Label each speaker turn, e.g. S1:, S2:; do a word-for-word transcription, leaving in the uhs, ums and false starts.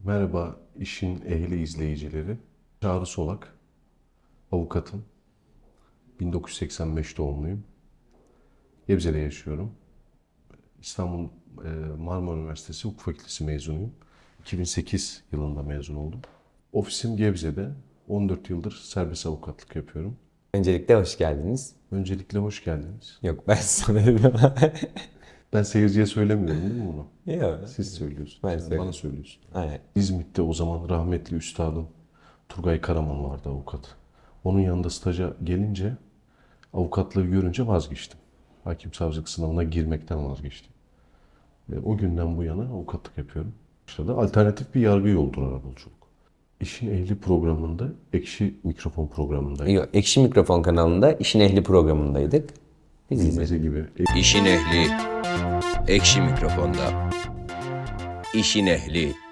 S1: Merhaba işin ehli izleyicileri. Çağrı Solak, avukatım. bin dokuz yüz seksen beş doğumluyum. Gebze'de yaşıyorum. İstanbul e, Marmara Üniversitesi Hukuk Fakültesi mezunuyum. iki bin sekiz yılında mezun oldum. Ofisim Gebze'de. on dört yıldır serbest avukatlık yapıyorum.
S2: Öncelikle hoş geldiniz.
S1: Öncelikle hoş geldiniz.
S2: Yok ben sana dedim.
S1: Ben seyirciye söylemiyorum değil mi bunu?
S2: Yok.
S1: Siz söylüyorsunuz.
S2: Ben
S1: Yani
S2: söylüyorum.
S1: bana söylüyorsun.
S2: Aynen.
S1: İzmit'te o zaman rahmetli üstadım Turgay Karaman vardı avukat. Onun yanında staja gelince avukatlığı görünce vazgeçtim. Hakim savcılık sınavına girmekten vazgeçtim. Ve o günden bu yana avukatlık yapıyorum. Başladı. Alternatif bir yargı yoldur arabuluculuk. İşin Ehli programında, Ekşi Mikrofon programındayım.
S2: Yok, Ekşi Mikrofon kanalında İşin Ehli programındaydık. Biz izledik.
S1: Bilmece gibi.
S3: İşin ehli, ekşi mikrofonda. İşin ehli.